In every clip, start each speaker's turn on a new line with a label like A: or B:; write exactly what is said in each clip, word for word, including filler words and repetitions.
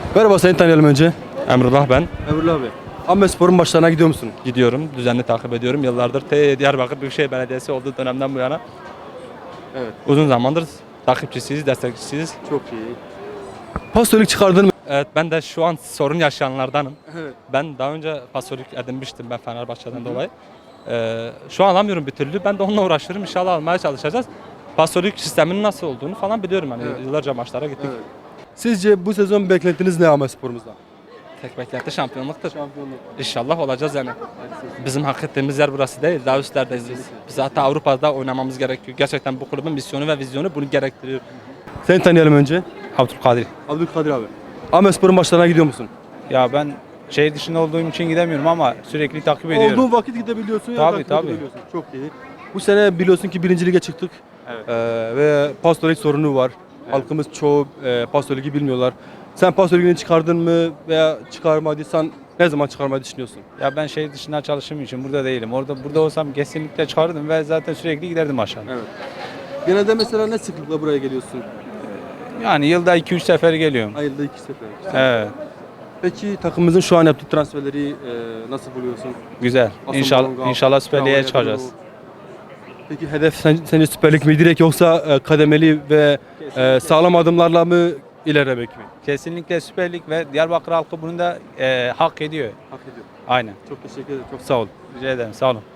A: Merhaba, seni tanıyalım önce.
B: Emrullah ben.
A: Emrullah abi. Ahmetspor'un maçlarına gidiyor musun?
B: Gidiyorum, düzenli takip ediyorum. Yıllardır T Diyarbakır Büyükşehir Belediyesi olduğu dönemden bu yana
A: Evet.
B: uzun zamandır takipçisiyiz, destekçisiyiz.
A: Çok iyi. Pasolik çıkardın mı?
B: Evet, ben de şu an sorun yaşayanlardanım.
A: Evet.
B: Ben daha önce pasolik edinmiştim ben Fenerbahçe'den dolayı. Ee, şu an alamıyorum bir türlü. Ben de onunla uğraşıyorum. İnşallah almaya çalışacağız. Pasolik sisteminin nasıl olduğunu falan biliyorum. Hani
A: Evet.
B: yıllarca maçlara gittik.
A: Evet. Sizce bu sezon beklentiniz ne Ahmetspor'umuzdan?
B: Tek beklenti şampiyonluktur.
A: Şampiyonluk.
B: İnşallah olacağız yani. Bizim hak ettiğimiz yer burası değil, daha üstlerdeyiz biz. Biz hatta Avrupa'da oynamamız gerekiyor. Gerçekten bu kulübün misyonu ve vizyonu bunu gerektiriyor.
A: Seni tanıyalım önce.
C: Abdülkadir.
A: Abdülkadir abi. Ahmetspor'un maçlarına gidiyor musun?
C: Ya ben şehir dışında olduğum için gidemiyorum ama sürekli takip ediyorum.
A: Olduğun vakit gidebiliyorsun ya
C: Tabii,
A: takip
C: tabii.
A: edebiliyorsun. Çok iyi. Bu sene biliyorsun ki birinci lige çıktık.
C: Evet.
A: Ee, ve pasolik sorunu var. Halkımız çoğu e, pasoligi bilmiyorlar. Sen pasoligini çıkardın mı veya çıkarmadıysan ne zaman çıkarmayı düşünüyorsun?
C: Ya ben şehir dışında çalıştığım için burada değilim. Orada burada olsam kesinlikle çıkardım ve zaten sürekli giderdim aşağı.
A: Evet. Genelde mesela ne sıklıkla buraya geliyorsun?
C: Yani yılda iki üç sefer geliyorum.
A: Ayda iki sefer.
C: Evet.
A: Peki takımımızın şu an yaptığı transferleri e, nasıl buluyorsun?
C: Güzel.
A: Asıl
C: İnşallah
A: Bonga,
C: inşallah Süper Lig'e
A: Traore,
C: çıkacağız.
A: Bruno. Peki hedef sen, sence Süper Lig mi direkt yoksa e, kademeli ve e, sağlam adımlarla mı ilerlemek mi?
C: Kesinlikle Süper Lig ve Diyarbakır halkı bunu da e, hak ediyor.
A: Hak ediyor.
C: Aynen.
A: Çok teşekkür ederim. Çok sağ ol.
C: Rica ederim. Sağ olun.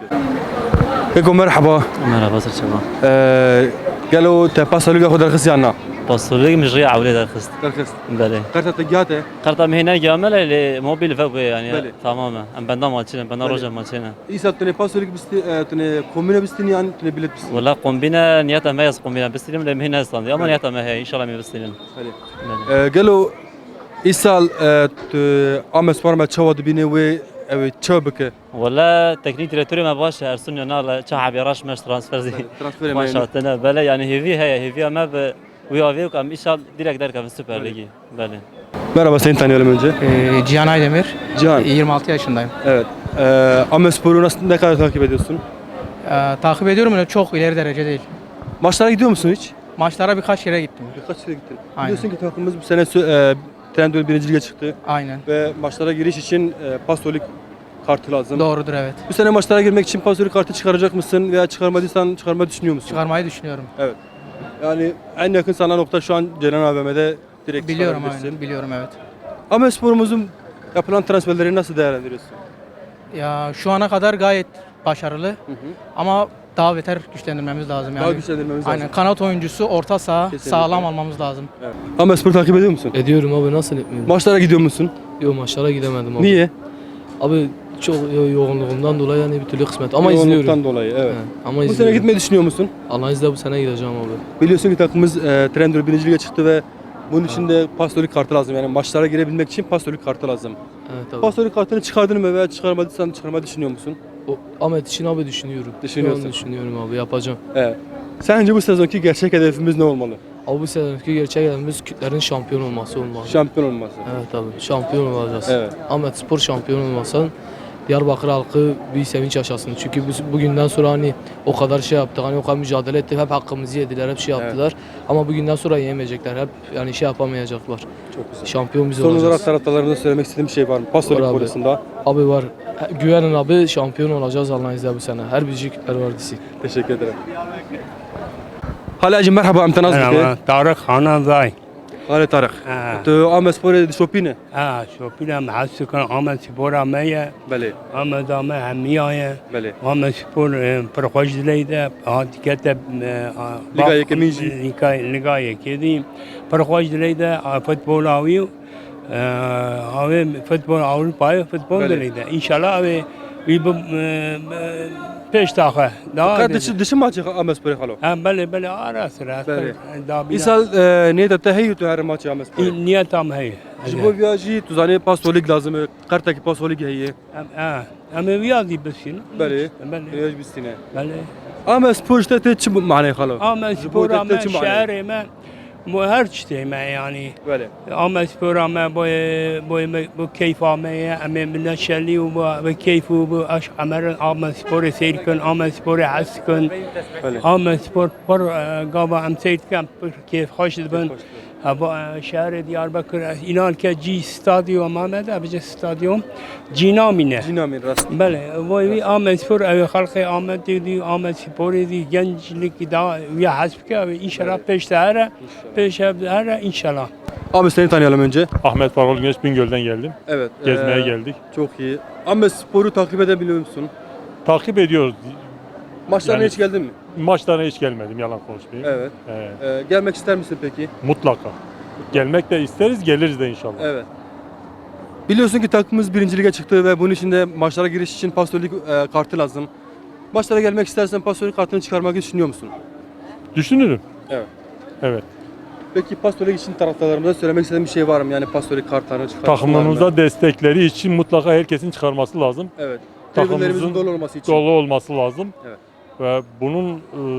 A: Eko merhaba.
D: مرحبا صرت شباب
A: E, قالوا تباس لقى خد الخص يعني.
D: بصوا لي مش على ولاد الخست
A: الخص.
D: بله
A: قرطة تجاته.
D: قرطة هنا جامل اللي موبيل فوق يعني
A: بله.
D: تماما ام بندا مالتنا بندا
A: بله.
D: روجا مالتنا
A: İsa tane pasolik bisti, e, tane kombine bistin yani tane bilet bistin.
D: ولا قوم بنا نياتا ما يس قوم بنا بستلم لهم هنا اصلا اما نياتا ما هي ان شاء الله ما بستلم
A: Hadi.
D: بله.
A: E, قالوا İsal Ahmet Spor maçı vardı bine ve evet çabuk.
D: ولا تكنيك ديريتوري ما باش ارسل لنا لا شعب يراش مش ترانسفير زي
A: Transfer
D: ما
A: emeğini.
D: شاء الله بله يعني هيفي هي هيفي ما ب ويا فيك ام ان شاء الله ديريكت دارك في السوبر
A: بله.
D: ليجي بله.
A: Merhaba, seni tanıyalım önce.
E: Ee, Cihan Aydemir.
A: Cihan.
E: yirmi altı yaşındayım.
A: Evet. E, Ahmet Spor'u nasıl ne kadar takip ediyorsun?
E: Ee, takip ediyorum ama çok ileri derece değil.
A: Maçlara gidiyor musun hiç?
E: Maçlara birkaç kere gittim.
A: Birkaç kere gittin.
E: Aynen.
A: Biliyorsun ki takımımız bu sene sö- e, Trendyol birinci lige çıktı
E: Aynen.
A: ve maçlara giriş için e, pasolik kartı lazım.
E: Doğrudur, evet.
A: Bu sene maçlara girmek için pasolik kartı çıkaracak mısın veya çıkarmadıysan çıkarmayı düşünüyor musun?
E: Çıkarmayı düşünüyorum.
A: Evet. Yani en yakın sana nokta şu an Ceren A V M'de direkt
E: Biliyorum
A: çıkarabilirsin.
E: aynen. Biliyorum, evet.
A: Ahmet Spor'umuzun yapılan transferleri nasıl değerlendiriyorsun?
E: Ya şu ana kadar gayet başarılı
A: Hı hı.
E: ama daha beter güçlendirmemiz lazım yani.
A: Daha güçlendirmemiz lazım.
E: Aynen. Kanat oyuncusu, orta saha
A: Kesinlikle.
E: sağlam almamız lazım.
A: Evet. Ahmet Spor'u takip ediyor musun?
F: Ediyorum abi, nasıl etmiyorum?
A: Maçlara gidiyor musun?
F: Yok, maçlara gidemedim abi.
A: Niye?
F: Abi çok yo- yoğunluğumdan dolayı yani bir türlü kısmet ama
A: Yoğunluktan
F: izliyorum.
A: dolayı evet.
F: He, ama
A: Bu sene
F: izliyorum.
A: gitmeyi düşünüyor musun?
F: Allah'ın izniyle bu sene gideceğim abi.
A: Biliyorsun ki takımımız e, Trendyol birinci lige çıktı ve bunun için de pasolik kartı lazım. Yani maçlara girebilmek için pasolik kartı lazım.
F: Evet abi.
A: Pasolik kartını çıkardın mı veya çıkarmadıysan çıkarmayı düşünüyor musun?
F: O, Ahmet için abi düşünüyorum.
A: Düşünüyorsun.
F: Şu an düşünüyorum abi, yapacağım.
A: Evet. Sence bu sezonki gerçek hedefimiz ne olmalı?
F: Abi bu sezonki gerçek hedefimiz Kürtlerin şampiyon olması olmalı.
A: Şampiyon olması.
F: Evet abi, şampiyon olacağız.
A: Evet.
F: Ahmet Spor şampiyon olmasın. Diyarbakır halkı bir sevinç yaşasın. Çünkü bu, bugünden sonra hani o kadar şey yaptık, hani o kadar mücadele ettik, hep hakkımızı yediler, hep şey
A: Evet.
F: yaptılar. Ama bugünden sonra yiyemeyecekler, hep yani şey yapamayacaklar.
A: Çok güzel.
F: Şampiyon biz
A: Son olarak
F: olacağız.
A: taraftarlarımıza söylemek istediğim bir şey var mı? Pasolik
F: Var abi.
A: konusunda.
F: Abi var. Güvenin abi, şampiyon olacağız Allah'ın izniyle bu sene. Her büyükler var disi.
A: Teşekkür ederim. Halacığım merhaba, امتناز
G: أنا
A: بك.
G: طارق خانة ضاي
A: Hale Tarık.
G: آه
A: Tu Ahmet Spor'u şopine.
G: آه شو بينا مع السكان عمل سبورة مية
A: Beli.
G: عمل دامة همية
A: Beli.
G: عمل سبور برخوش ليدا هاد كتب
A: لقاية كميجي.
G: لقاية لقاية كذي برخوش ليدا فوتبول أوي أوي فوتبول أوروبا فوتبول
A: بله.
G: ليدا إن شاء الله أوي ويب پیش تاخه
A: Fakat dışı, dışı maçı Ahmet Spor'u halo.
G: هم بله بله آره سرعت
A: بله.
G: دابي
A: İsal niyet tehiyyü tu her maçı Ahmet Spor'u.
G: نية تام هي
A: Jibo viyajı tu zane pasolik lazım. Kartaki pasolik heye.
G: ام اه ام رياضي بس شنو؟
A: Beli.
G: بله
A: Viyaj bistine.
G: بله
A: Ahmet Spor işte te çim mane halo.
G: ام
A: جبو
G: سبورا ما
A: تتجمع عليه.
G: شعري ما مو هرشتي ما يعني
A: Beli.
G: ام سبورا ما بو بو بو كيف ما ام من الشلي وبو كيف وبو اش عمر ام سبور سيركن ام سبور حسكن
A: Beli.
G: ام سبور بر قابا ام سيد كم كيف خوش بن هوا شهر دیاربکر اینال که جی استادیوم آمده بجه استادیوم جینامینه
A: Cinamin rast.
G: بله وی آمد سپور اوی خلق آمد دی آمد سپور دی گنجlik دا وی حسب که inşallah peşte hara peşte hara inşallah.
A: Abi seni tanıyalım önce.
H: Ahmet Farol Güneş Bingöl'den geldim.
A: Evet.
H: Gezmeye
A: eee,
H: geldik.
A: Çok iyi. Ahmet Spor'u takip edebiliyor musun?
H: Takip ediyoruz.
A: Maçlarına
H: Yani-
A: hiç geldin mi?
H: Maçlarına hiç gelmedim, yalan konuşmayayım.
A: Evet.
H: Ee,
A: Eee, gelmek ister misin peki?
H: mutlaka. Gelmek de isteriz, geliriz de inşallah.
A: Evet. Biliyorsun ki takımımız birinci lige çıktı ve bunun için de maçlara giriş için pastörlük eee, kartı lazım. Maçlara gelmek istersen pastörlük kartını çıkarmak düşünüyor musun?
H: Düşünürüm.
A: Evet.
H: Evet.
A: Peki pastörlük için taraftarlarımıza söylemek istediğin bir şey var mı? Yani pastörlük kartlarını çıkartmalar mı?
H: Takımımıza destekleri için mutlaka herkesin çıkarması lazım.
A: Evet.
H: Takımımızın
A: Tribünlerimizin dolu olması için.
H: Dolu olması lazım.
A: Evet.
H: Ve bunun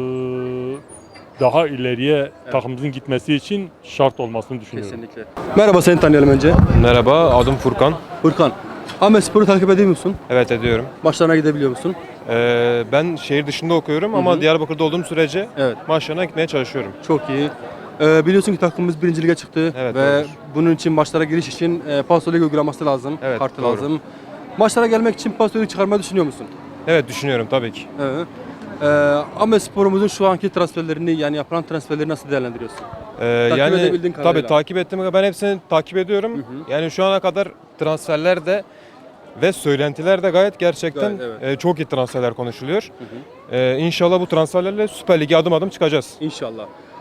H: eee, daha ileriye takımımızın gitmesi için şart olmasını düşünüyorum.
A: Kesinlikle. Merhaba, seni tanıyalım önce.
I: Merhaba, adım Furkan.
A: Furkan. Ahmet Spor'u takip ediyor musun?
I: Evet, ediyorum.
A: Maçlarına gidebiliyor musun?
I: Ee, ben şehir dışında okuyorum ama
A: hı.
I: Diyarbakır'da olduğum sürece
A: Evet.
I: maçlarına gitmeye çalışıyorum.
A: Çok iyi. Ee, biliyorsun ki takımımız birinci lige çıktı
I: Evet,
A: ve
I: doğrudur.
A: bunun için maçlara giriş için e, pastörlük uygulaması lazım,
I: Evet,
A: kartı
I: doğru.
A: lazım. Maçlara gelmek için pastörlük çıkarmayı düşünüyor musun?
I: Evet, düşünüyorum tabii ki.
A: Evet. Ee, Ahmet Spor'umuzun şu anki transferlerini, yani yapılan transferleri nasıl değerlendiriyorsun?
I: Ee,
A: Takip
I: yani
A: edebildiğin kadarıyla.
I: tabii takip ettim. Ben hepsini takip ediyorum. Yani şu ana kadar transferler de ve söylentiler de gayet gerçekten
A: Gayet,
I: e, çok iyi transferler konuşuluyor. Ee, İnşallah bu transferlerle Süper Lig'e adım adım çıkacağız.
A: İnşallah.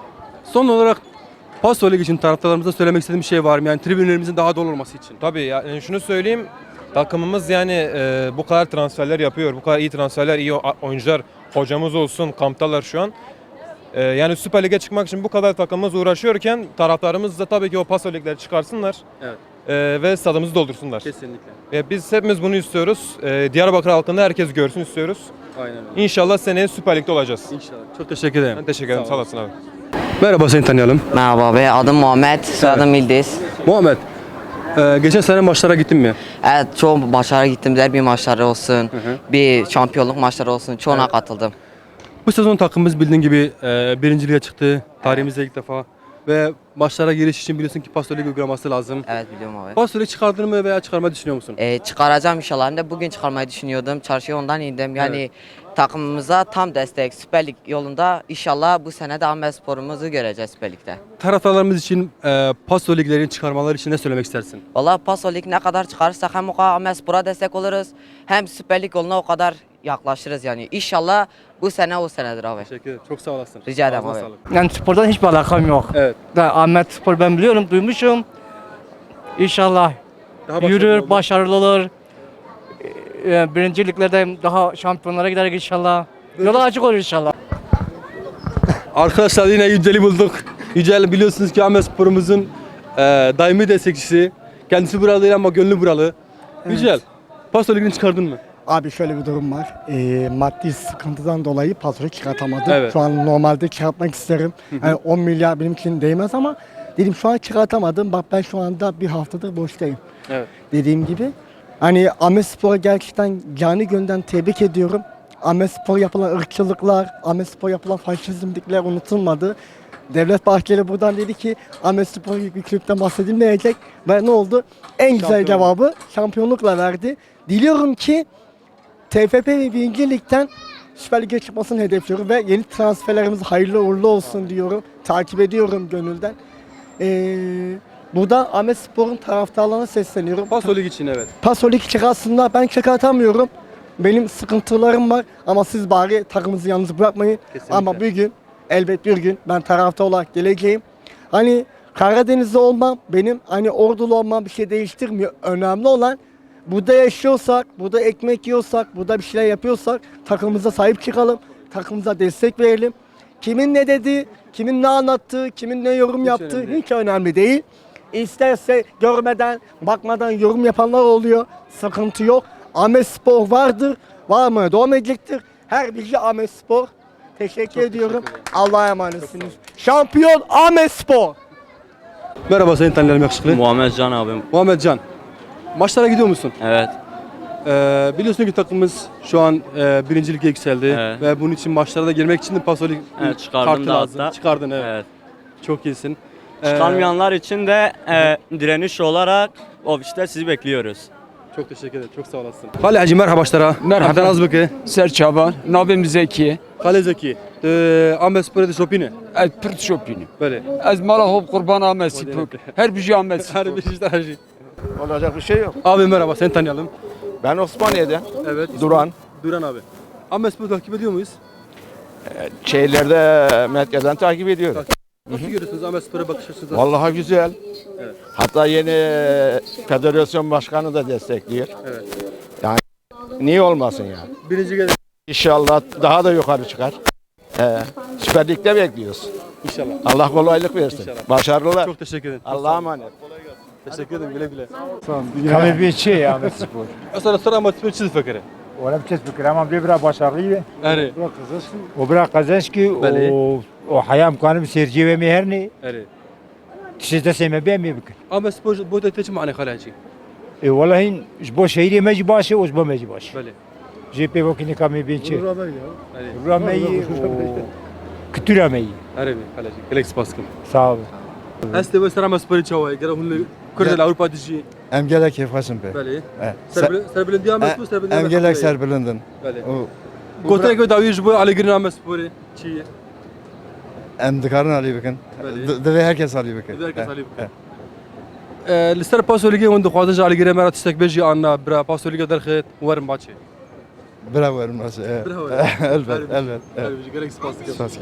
A: Son olarak pastörlük için taraftarlarımıza söylemek istediğim bir şey var mı? Yani tribünlerimizin daha dolu olması için.
I: Tabii yani şunu söyleyeyim. Takımımız yani e, bu kadar transferler yapıyor. Bu kadar iyi transferler, iyi o- oyuncular, hocamız olsun, kamptalar şu an. E, yani Süper Lig'e çıkmak için bu kadar takımımız uğraşıyorken taraftarımız da tabii ki o Paso Lig'leri çıkarsınlar.
A: Evet.
I: E, ve stadımızı doldursunlar.
A: Kesinlikle.
I: E, biz hepimiz bunu istiyoruz. E, Diyarbakır halkında herkes görsün istiyoruz.
A: Aynen öyle.
I: İnşallah seneye Süper Lig'de olacağız.
A: İnşallah. Çok teşekkür ederim.
I: Ben teşekkür ederim.
A: Sağ
I: Sağ
A: ol.
I: olasın abi.
A: Merhaba, seni tanıyalım.
J: Merhaba abi, adım Muhammed, soyadım Yıldız.
A: Muhammed, e, geçen sene maçlara gittin mi?
J: Evet, çoğu maçlara gittim, derbi maçları olsun, bir şampiyonluk maçları olsun, çoğuna katıldım.
A: Bu sezon takımımız bildiğin gibi e, birinci lige çıktı. Tarihimizde ilk defa. Ve maçlara giriş için biliyorsun ki pastörlük uygulaması lazım.
J: Evet, biliyorum abi.
A: Pastörlük çıkardın mı veya çıkarmayı düşünüyor musun?
J: Ee, çıkaracağım inşallah, hem de bugün çıkarmayı düşünüyordum, çarşıya ondan indim. Yani takımımıza tam destek, Süper Lig yolunda inşallah bu sene de Ahmet Spor'umuzu göreceğiz Süper Lig'de.
A: Taraftarlarımız için e, pastörlüklerin çıkarmaları için ne söylemek istersin?
J: Valla Paso Lig ne kadar çıkarırsak hem o kadar Ahmet Spor'a destek oluruz, hem Süper Lig yoluna o kadar yaklaşırız yani. İnşallah bu sene o senedir abi.
A: Teşekkür ederim. Çok sağ olasın.
J: Rica ederim
A: Ağzına
J: abi.
A: sağlık.
K: Yani spordan hiçbir alakam yok.
A: Evet.
K: Da Ahmet Spor ben biliyorum, duymuşum. İnşallah
A: Daha başarılı
K: yürür,
A: olun.
K: başarılı olur. Ee, Birinciliklerde daha şampiyonlara gider inşallah. Yolu açık olur inşallah.
A: Arkadaşlar yine Yücel'i bulduk. Yücel biliyorsunuz ki Ahmet Spor'umuzun e, daimi destekçisi. Kendisi buralı değil ama gönlü buralı. Yücel, pastörlüğünü çıkardın mı?
L: Abi şöyle bir durum var. Ee, maddi sıkıntıdan dolayı pastörlük çıkartamadım.
A: Evet.
L: Şu an normalde çıkartmak isterim. Yani on milyar benim için değmez ama dedim şu an çıkartamadım. Bak ben şu anda bir haftadır boştayım.
A: Evet.
L: Dediğim gibi. Hani Ahmet Spor'a gerçekten canı gönülden tebrik ediyorum. Ahmet Spor yapılan ırkçılıklar, Ahmet Spor yapılan faşizmlikler unutulmadı. Devlet Bahçeli buradan dedi ki Ahmet Spor gibi bir kulüpten bahsedilmeyecek. Ve ne oldu? En güzel
A: Şampiyonluk.
L: cevabı şampiyonlukla verdi. Diliyorum ki T F F ve birinci Lig'den Süper Lig'e çıkmasını hedefliyorum ve yeni transferlerimiz hayırlı uğurlu olsun diyorum. Takip ediyorum gönülden. Ee, burada Ahmet Spor'un taraftarlarına sesleniyorum.
A: Pastörlük için evet.
L: Pasolik çıkarsınlar, ben çıkartamıyorum. Benim sıkıntılarım var ama siz bari takımınızı yalnız bırakmayın.
A: Kesinlikle.
L: Ama bir gün, elbet bir gün ben taraftar olarak geleceğim. Hani Karadeniz'de olmam, benim hani Ordulu olmam bir şey değiştirmiyor. Önemli olan burada yaşıyorsak, burada ekmek yiyorsak, burada bir şeyler yapıyorsak takımımıza sahip çıkalım, takımımıza destek verelim. Kimin ne dediği, kimin ne anlattığı, kimin ne yorum
A: Hiç
L: yaptığı
A: önemli değil.
L: hiç önemli değil. İsterse görmeden, bakmadan yorum yapanlar oluyor. Sıkıntı yok. Ahmet Spor vardır, var mı? Devam edecektir. Her bilgi Ahmet Spor. Teşekkür ediyorum. Allah'a emanetsiniz. Şampiyon Ahmet Spor.
A: Merhaba, seni tanıyalım yakışıklı.
D: Muhammed Can abim.
A: Muhammed Can. Maçlara gidiyor musun?
D: Evet.
A: Ee, biliyorsun ki takımımız şu an e, birinci lige yükseldi
D: Evet.
A: ve bunun için maçlara da girmek için de pastörlük
D: Evet, çıkardım
A: kartı
D: da
A: lazım.
D: hatta.
A: Çıkardın evet.
D: Evet.
A: Çok iyisin. Ee,
D: Çıkamayanlar için de e, direniş olarak ofiste sizi bekliyoruz.
A: Çok teşekkür ederim. Çok sağ olasın. Hale Hacı merhaba başlara.
C: Merhaba.
A: Hatta az bakı.
C: Serçaba, nabim Zeki,
A: Hale Zeki. De Ahmet Spor'a da şopini.
C: ez Pırt Şopini.
A: Böyle.
C: Ez mala hop kurban Ahmet Spor. Her bir şey Ahmet Spor.
A: Her bir işte her şey.
L: Olacak bir şey yok.
A: Abi merhaba, seni tanıyalım.
L: Ben Osmaniye'den.
A: Evet. ismin-
L: Duran.
A: Duran abi. Ahmet Spor'u takip ediyor muyuz?
L: Şeylerde merkezden takip ediyorum.
A: Nasıl görüyorsunuz Ahmet Spor'a bakış açınızı?
L: Vallahi güzel.
A: Evet.
L: Hatta yeni federasyon başkanı da destekliyor.
A: Evet.
L: Yani niye olmasın yani?
A: Birinci gel
L: İnşallah daha da yukarı çıkar. Ee, Süper Lig'de bekliyoruz.
A: inşallah.
L: Allah kolaylık versin.
A: İnşallah.
L: Başarılar.
A: Çok teşekkür ederim.
L: Allah'a emanet.
A: Teşekkür ederim güle güle.
M: Kami bir şey Ahmet Spor.
A: Sonra sonra Ahmet Spor çiz fakire.
M: Ona bir şey fikir ama bir biraz başarılıydı.
A: Eri.
M: O biraz kazanç ki
A: Beli.
M: o o hayam kanım seyirci ve meherni
A: Eri.
M: tişete sevme ben mi bikir.
A: Ahmet Spor bu da teçim ani Hale
M: E vallahi bu şehri meci başı o bu meci başı.
A: Böyle.
M: J P vakini kami bir şey.
A: Eri.
M: Rameyi o kütürameyi.
A: Eri mi Hale Galaxy baskın.
M: Sağ ol.
A: Heste ve Sarama Spor'u çavay. Gara hunle Kurdel Avrupa dişi.
L: Em gelek kefasın be.
A: Böyle.
L: Evet.
A: Serbilen diye Ahmet Spor serbilen.
L: Em gelek serbilindin.
A: Böyle.
L: O
A: Gotere göre davi bu Ali Girin Ahmet Spor'u çiğ.
L: em dikarın Ali bakın.
A: Böyle.
L: Deve herkes Ali bakın.
A: Herkes Ali bakın. لسر پاسو لیگه اون دخوازه جالی گیره مرا تستک بجی آن برا پاسو لیگه در خیت ورم باچه.
L: Bravo Ermas.
A: Bravo.
L: Elbet, elbet.
A: Gerek spastik.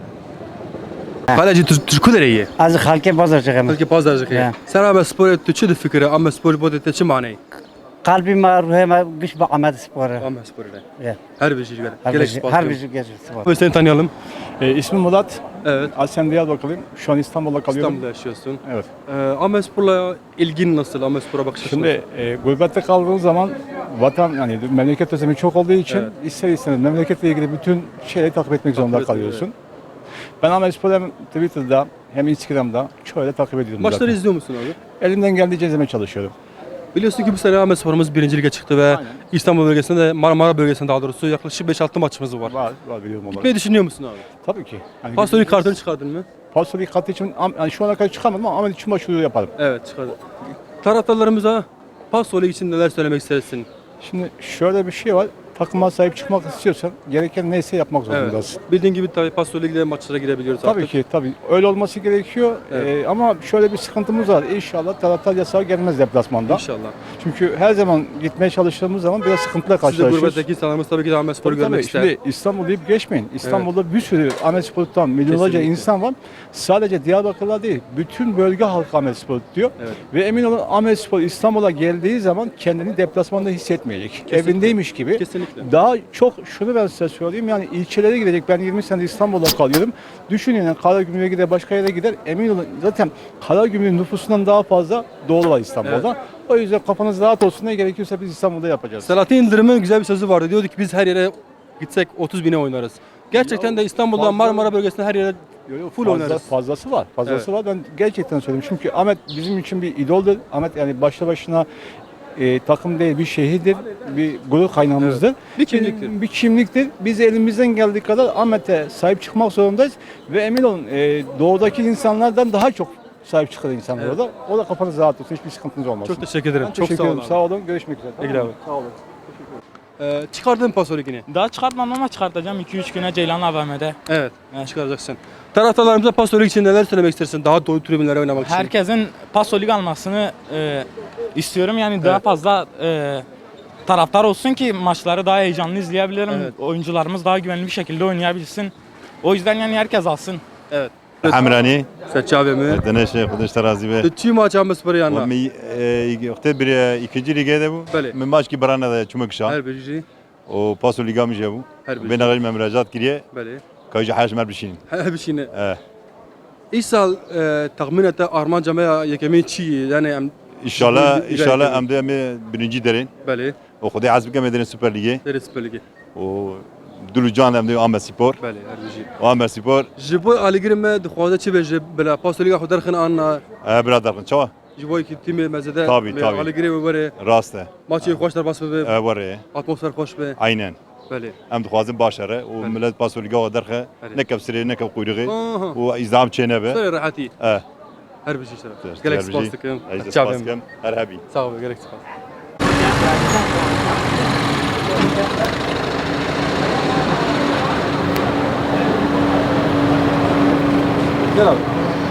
A: Hala ciddi Türkü nereye?
K: از خلک بازار چقدر
A: Belki pazarcık ya. Sen ama spor tu çi fikri ama spor bu da çi mani?
K: قلبی ما روح ما گوش با آمد سپاره
A: Ama spor ile.
K: Evet.
A: Her bir şey gerek.
K: هر
A: Gerek
K: بیشی
A: spastik.
K: هر بیشی گرد سپاره.
A: Ve seni tanıyalım.
C: E, ismim Murat.
A: Evet.
C: Aslen Diyarbakırlıyım. Şu an İstanbul'da kalıyorum.
A: İstanbul'da yaşıyorsun.
C: Evet.
A: Ee, Ahmet Spor'la ilgin nasıl? Ahmet Spor'a bakış açın
C: Şimdi e, gurbette kaldığın zaman vatan yani memleket özlemi çok olduğu için
A: Evet.
C: ister istemez memleketle ilgili bütün şeyleri takip etmek zorunda
A: etmek,
C: kalıyorsun. Ben Ahmet Spor'u hem Twitter'da hem Instagram'da şöyle takip ediyorum.
A: Maçları
C: zaten.
A: izliyor musun abi?
C: Elimden geldiğince izlemeye çalışıyorum.
A: Biliyorsun ki bu sene Ahmet Spor'umuz birinci lige çıktı ve
C: Aynen.
A: İstanbul bölgesinde de Marmara bölgesinde daha doğrusu yaklaşık beş altı maçımız var.
C: Var, var biliyorum onları.
A: Gitmeyi düşünüyor musun abi?
C: Tabii ki. Yani
A: Pasörü kartını çıkardın mı?
C: Pasörü kartı için am- yani şu ana kadar çıkamadım ama Ahmet için başvuru yaparım.
A: Evet çıkardın. Taraftarlarımıza Pasörü için neler söylemek istersin?
C: Şimdi şöyle bir şey var. Takıma sahip çıkmak istiyorsan gereken neyse yapmak zorundasın.
A: Bildiğin gibi tabii Pasörü Ligi'de maçlara girebiliyoruz
C: Tabii
A: artık.
C: ki tabii öyle olması gerekiyor.
A: Evet.
C: Ee, ama şöyle bir sıkıntımız var. İnşallah taraftar yasağı gelmez deplasmanda.
A: İnşallah.
C: Çünkü her zaman gitmeye çalıştığımız zaman biraz sıkıntılar
A: Siz de
C: karşılaşıyoruz.
A: gurbetteki insanlarımız tabii ki de Ahmet Spor'u
C: Tabii,
A: görmek
C: tabii.
A: ister.
C: Şimdi İstanbul deyip geçmeyin. İstanbul'da bir sürü Ahmet Spor tutan milyonlarca
A: Kesinlikle.
C: insan var. Sadece Diyarbakır'da değil, bütün bölge halkı Ahmet Spor tutuyor.
A: Evet.
C: Ve emin olun Ahmet Spor İstanbul'a geldiği zaman kendini deplasmanda hissetmeyecek.
A: Kesinlikle.
C: Evindeymiş gibi.
A: Kesinlikle.
C: Daha çok şunu ben size söyleyeyim yani ilçelere gidecek. Ben yirmi sene İstanbul'da kalıyorum. Düşünün yani Karagümrük'e gider, başka yere gider. Emin olun zaten Karagümrük'ün nüfusundan daha fazla doğulu var İstanbul'da. O yüzden kafanız rahat olsun, ne gerekiyorsa biz İstanbul'da yapacağız.
A: Selahattin Yıldırım'ın güzel bir sözü vardı. Diyordu ki biz her yere gitsek otuz bine oynarız. Gerçekten de İstanbul'da
C: fazla-
A: Marmara bölgesinde her yere
C: Yo, yo,
A: full
C: fazla-
A: oynarız.
C: Fazlası var. Fazlası var. Ben gerçekten söylüyorum. Çünkü Ahmet bizim için bir idoldur. Ahmet yani başlı başına e, takım değil, bir şehirdir, bir gurur kaynağımızdır.
A: Bir kimliktir.
C: Bir, bir kimliktir. Biz elimizden geldiği kadar Ahmet'e sahip çıkmak zorundayız. Ve emin olun e, doğudaki insanlardan daha çok sahip çıkar insanlar
A: Evet.
C: orada. O da kafanız rahat olsun. Hiçbir sıkıntınız olmasın.
A: Çok teşekkür ederim.
C: Ben
A: Çok
C: teşekkür
A: sağ olun.
C: ederim. Sağ olun. Görüşmek üzere.
A: İyi abi.
C: Sağ olun.
A: Ee, çıkardın Pasörü Ligi'ni.
E: Daha çıkartmam ama çıkartacağım iki üç güne Ceylan A V M'de.
A: Evet. Çıkaracaksın. Taraftarlarımıza Pasörü Ligi için neler söylemek istersin? Daha dolu tribünlere oynamak için.
E: Herkesin Paso Lig almasını e, istiyorum. Yani daha
A: Evet.
E: fazla e, taraftar olsun ki maçları daha heyecanlı izleyebilirim.
A: Evet.
E: Oyuncularımız daha güvenli bir şekilde oynayabilsin. O yüzden yani herkes alsın.
A: Evet.
N: حمراني
A: Seçabe mi?
N: دنش خودش ترازی به
A: Tüy maç Ahmet Spor'u yanına.
N: و می وقتی بری ikinci lige de bu.
A: Bale.
N: من باش کی برانه ده çumak şan.
A: Her bir şey.
N: O paso liga mı bu?
A: Her bir
N: Ben
A: şey.
N: ağır müracaat kiriye.
A: Böyle.
N: Kayıcı haş mer bişin.
A: Her bir şey ne?
N: Eh.
A: İsal tahmin ete Arman Camia yekemi çiğ yani em
N: İnşallah
A: İleri-
N: inşallah
A: ileri-
N: em de em birinci derin.
A: Böyle.
N: O kudai azbike medeni Süper Ligi.
A: Deri Süper Ligi.
N: O dulu can em de Ahmet Spor.
A: Böyle her bir şey.
N: O Ahmet Spor.
A: Jibo Ali Girme dixwaze çi beje bela Paso Liga xudar xın an
N: Eh birader çava.
A: jibo ki timi mezede.
N: Tabii, tabii.
A: Ali Girme böyle
N: Rast e.
A: maçı hoş dar bas be.
N: Eh var e.
A: Atmosfer hoş be.
N: Aynen.
A: Böyle.
N: Em dixwazin başarı. O
A: Bale.
N: millet paso liga derxe.
A: Bale.
N: Nekep sire nekep kuyruğu.
A: Aha.
N: O izam çene be.
A: Söyle rahati.
N: Eh.
A: Her bir şey şeref. Gerek spas tıkım.
N: Aziz
A: Çavim.
N: Paskem, Erhabi.
A: Sağ ol, gerek spas. Gel abi.